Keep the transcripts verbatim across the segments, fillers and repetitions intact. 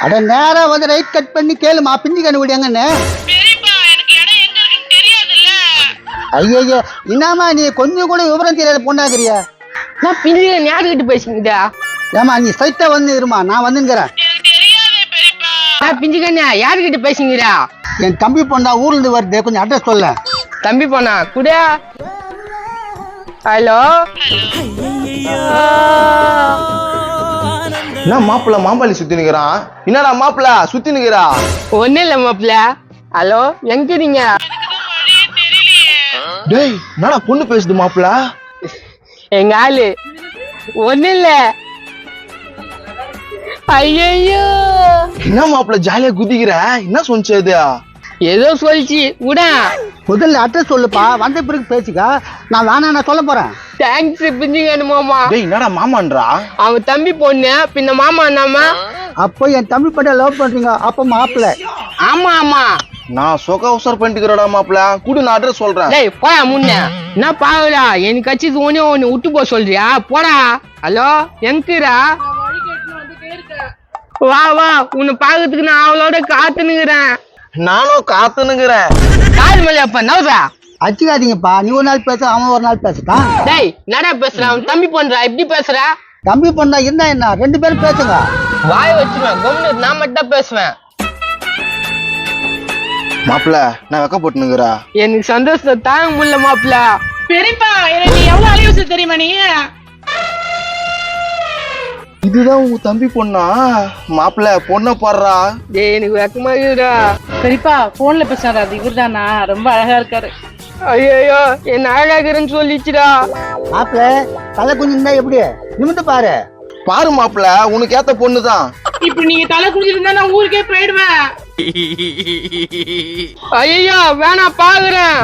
அட நேரா வந்து ரைட் கட் பண்ணி கேளுமா பிஞ்சு கண்டுபிடி எங்கன்னு. ஐயோ என்னம்மா நீ கொஞ்சம் கூட விவரம் தெரியாத பொண்ணாக்குறியா? நான் பிஞ்சு யாருக்கிட்ட பேசுங்கடா? ஏமா நீ சைட்டா வந்து இருமா, நான் வந்துங்கிறேன். நான் பிஞ்சு கண்ணா யாருக்கிட்ட பேசுங்கடா? என் தம்பி பொண்ணா ஊர்ல இருந்து வருது, கொஞ்சம் அட்ரஸ் சொல்ல. தம்பி பொண்ணா குடா? ஹலோ என்ன மாப்பிள்ள மாம்பாளி சுத்தி நிக்கிறான்? என்னடா மாப்பிள்ள சுத்தி நிக்கிறா? ஒண்ணு இல்ல மாப்பிள்ள. ஹலோ எங்க நீங்க? டேய் என்னடா பொண்ணு பேசுது மாப்பிள்ள? எங்க ஆளு ஒண்ணு இல்ல. ஐயோ என்ன மாப்பிள்ள ஜாலியா குதிக்கிற? என்ன சொன்னிச்சு அது? ஏதோ சொல்லிச்சு விடா. முதல்ல அட்ரஸ் சொல்லுப்பா, வந்த பிறகு பேசிக்கா. நான் வேணா நான் சொல்ல போறேன். தேங்க்ஸ் பிஞ்சுங்க மாமா. டேய் என்னடா மாமான்றா? அவன் தம்பி பொண்ணு பின்ன மாமா என்னமா? அப்போ என் தம்பி பட்ட லவ் பண்றீங்க, அப்ப மாப்பிள்ள. ஆமா ஆமா நான் சொக உசர் பண்ணிக்கிறடா மாப்பிள்ள. கூடு நான் அட்ரஸ் சொல்றேன். டேய் போயா முன்ன. என்ன பாவுடா எனக்கு கட்சி ஒண்ணே ஒண்ணு விட்டு போ சொல்றியா? போடா. ஹலோ எங்கடா? வா வா உன்னை பாக்கிறதுக்கு நான் அவளோட காத்துனுக்குறேன். நானும் காத்துனுக்குறேன். காது மேல அப்ப நவுறா. அச்சுக்காதீங்கப்பா, நீ ஒரு நாள் பேச அவன் ஒரு நாள் பேசட்டான். டேய் என்னடா பேசுற? அவன் தம்பி பண்றா எப்படி பேசுற? தம்பி பொண்ணா இருந்தா என்ன, ரெண்டு பேரும் பேசுங்க. வாய் வச்சிருவேன் கம்னு, நான் மட்டும் பேசுவேன். மாப்பிள்ள நான் வெக்க போட்டுனுக்குறா. எனக்கு சந்தோஷத்தை தாங்க முடியல மாப்பிள்ள. பெரியப்பா எனக்கு எவ்வளவு அழிவு தெரியுமா நீ? இதுதான் உங்க தம்பி பொண்ணா? மாப்பிள்ள பொண்ணை பாடுறா. டேய் எனக்கு வெக்கமா இருக்குடா. பெரியப்பா போன்ல பேசுறாரு, அது இவர்தானா? ரொம்ப அழகா இருக்காரு. ஐயோ என்ன அழகாக்குறேன்னு சொல்லிச்சுடா. மாப்பிள்ள தலை குஞ்சு இருந்தா எப்படி நிமிந்து பாரு. பாரு மாப்பிள்ள உனக்கு ஏத்த பொண்ணுதான். இப்ப நீங்க தலை குடிச்சிருந்தா நான் ஊருக்கே போயிடுவேன். ஐயோ வேணாம் பாக்குறேன்.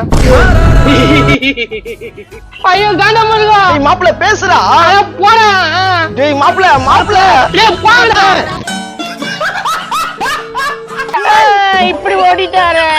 ஐயோ காண்டா முருகா. டேய் மாப்பிள்ள பேசுறா. போடா. டேய் மாப்பிள்ள மாப்பிள்ள டேய் போடா. இப்படி ஓடிட்டாரு.